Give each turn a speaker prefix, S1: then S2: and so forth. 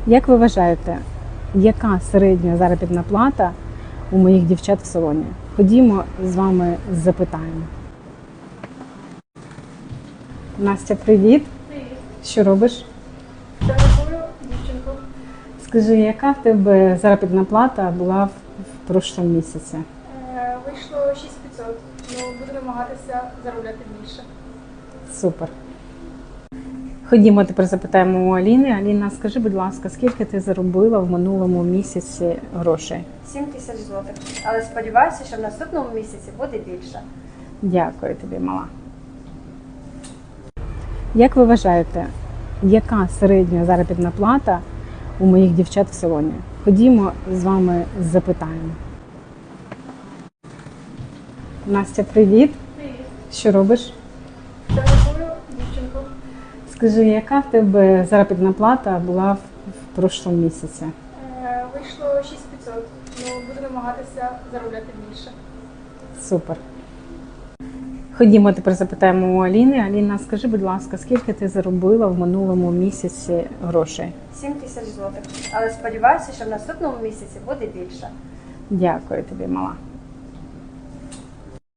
S1: Як ви вважаєте, яка середня заробітна плата у моїх дівчат в салоні? Ходімо з вами запитаємо. Настя, привіт!
S2: Привіт.
S1: Що робиш?
S2: Телефоную дівчинку.
S1: Скажи, яка в тебе заробітна плата була в прошлому місяці?
S2: Вийшло 6500, буду намагатися заробляти більше.
S1: Супер. Ходімо, тепер запитаємо у Аліни. Аліна, скажи, будь ласка, скільки ти заробила в минулому місяці грошей?
S3: 7000 злотих. Але сподіваюся, що в наступному місяці буде більше.
S1: Дякую тобі, мала. Як ви вважаєте, яка середня заробітна плата у моїх дівчат в салоні? Ходімо з вами запитаємо. Настя, привіт!
S2: Привіт.
S1: Що робиш?
S2: Телефоную дівчинку.
S1: Скажи, яка в тебе заробітна плата була в прошлому місяці?
S2: Вийшло 6500, буду намагатися заробляти більше.
S1: Супер. Ходімо, тепер запитаємо у Аліни. Аліна, скажи, будь ласка, скільки ти заробила в минулому місяці грошей?
S3: 7000 злотих. Але сподіваюся, що в наступному місяці буде більше.
S1: Дякую тобі, мала.